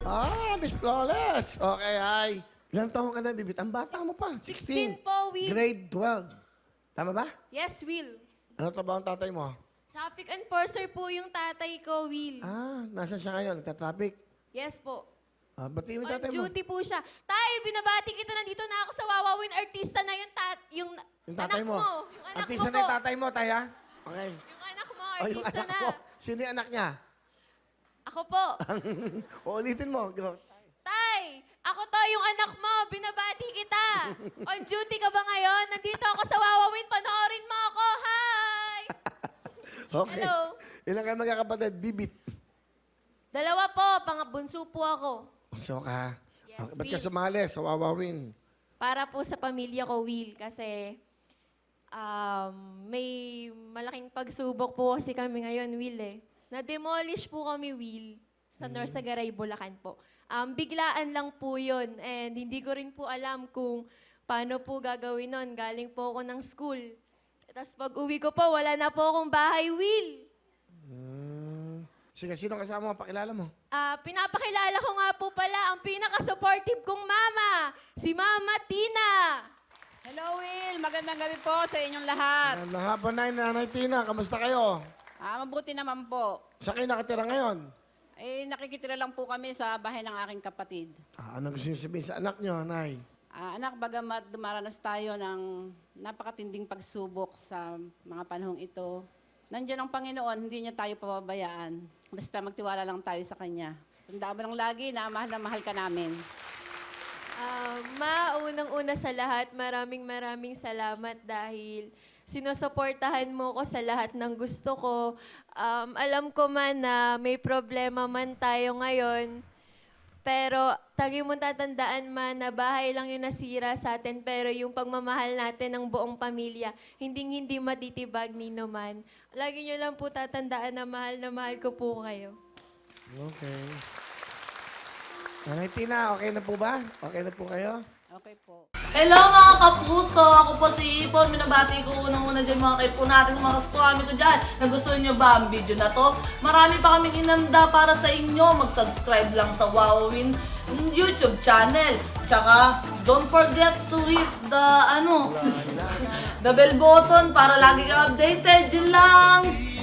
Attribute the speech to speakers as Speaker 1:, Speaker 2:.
Speaker 1: Miss Flawless. Okay, ay. Ilang taon ka na, Bibit? Ang bata mo pa.
Speaker 2: 16 po, Will.
Speaker 1: Grade 12. Tama ba?
Speaker 2: Yes, Will.
Speaker 1: Ano trabaho ang tatay mo?
Speaker 2: Traffic enforcer po yung tatay ko, Will.
Speaker 1: Nasaan siya ngayon? Nagka-traffic?
Speaker 2: Yes po.
Speaker 1: Batiin mo yung
Speaker 2: On
Speaker 1: tatay mo.
Speaker 2: duty po siya. Tay, binabati kita, nandito na ako sa Wawawin Artista na yung
Speaker 1: Yung tatay
Speaker 2: anak
Speaker 1: mo.
Speaker 2: Yung anak
Speaker 1: Artista
Speaker 2: mo
Speaker 1: na yung
Speaker 2: po.
Speaker 1: tatay mo, tay, ha? Okay.
Speaker 2: Yung anak mo,
Speaker 1: O, yung
Speaker 2: artista
Speaker 1: anak
Speaker 2: na.
Speaker 1: mo. Sino yung anak niya?
Speaker 2: Ako po.
Speaker 1: Ulitin mo. Go.
Speaker 2: Tay, ako to yung anak mo. Binabati kita. On duty ka ba ngayon? Nandito ako sa Wawawin. Panoorin mo ako. Hi!
Speaker 1: Okay.
Speaker 2: Hello.
Speaker 1: Ilan kayo magkakapatid? Bibit.
Speaker 2: Dalawa po. Pangabunso po ako.
Speaker 1: So ka.
Speaker 2: Yes,
Speaker 1: Ba't ka
Speaker 2: Will.
Speaker 1: sumali sa Wawawin?
Speaker 2: Para po sa pamilya ko, Will. Kasi may malaking pagsubok po kasi kami ngayon, Will eh. Na-demolish po kami, Will, sa Norsagaray, Bulacan po. Biglaan lang po yun. And hindi ko rin po alam kung paano po gagawin nun. Galing po ako ng school. Tapos pag uwi ko po, wala na po akong bahay, Will.
Speaker 1: Sige, sino kasama mo? Pakilala mo.
Speaker 2: Pinapakilala ko nga po pala ang pinaka-supportive kong mama, si Mama Tina.
Speaker 3: Hello, Will. Magandang gabi po sa inyong lahat.
Speaker 1: Magandang hapon na, Nanay Tina. Kamusta kayo?
Speaker 3: Mabuti naman po.
Speaker 1: Saan kayo nakatira ngayon?
Speaker 3: Nakikitira lang po kami sa bahay ng aking kapatid.
Speaker 1: Ano gusto niyo sabihin sa anak niyo, Nay?
Speaker 3: Anak, bagamat dumaranas tayo ng napakatinding pagsubok sa mga panahong ito, nandiyan ang Panginoon, hindi niya tayo pababayaan. Basta magtiwala lang tayo sa Kanya. Tandaan mo lang lagi na mahal ka namin.
Speaker 2: Unang-una sa lahat, maraming salamat dahil sinusuportahan mo ko sa lahat ng gusto ko. Alam ko man na may problema man tayo ngayon, pero tagi mo tatandaan man na bahay lang yung nasira sa atin, pero yung pagmamahal natin ng buong pamilya, hindi matitibag ni naman. Lagi nyo lang po tatandaan na mahal ko po kayo.
Speaker 1: Okay. Nanay Tina, okay na po ba? Okay na po kayo?
Speaker 3: Okay po.
Speaker 4: Hello mga kapuso! Ako po si Ipon. Minabati ko unang-una dyan mga kaipo natin, mga kaskwami ko dyan. Nagustuhan nyo ba ang video na to? Marami pa kaming inanda para sa inyo. Mag-subscribe lang sa Wowin YouTube channel. Tsaka, don't forget to hit the, the bell button para lagi kang updated. Yun lang!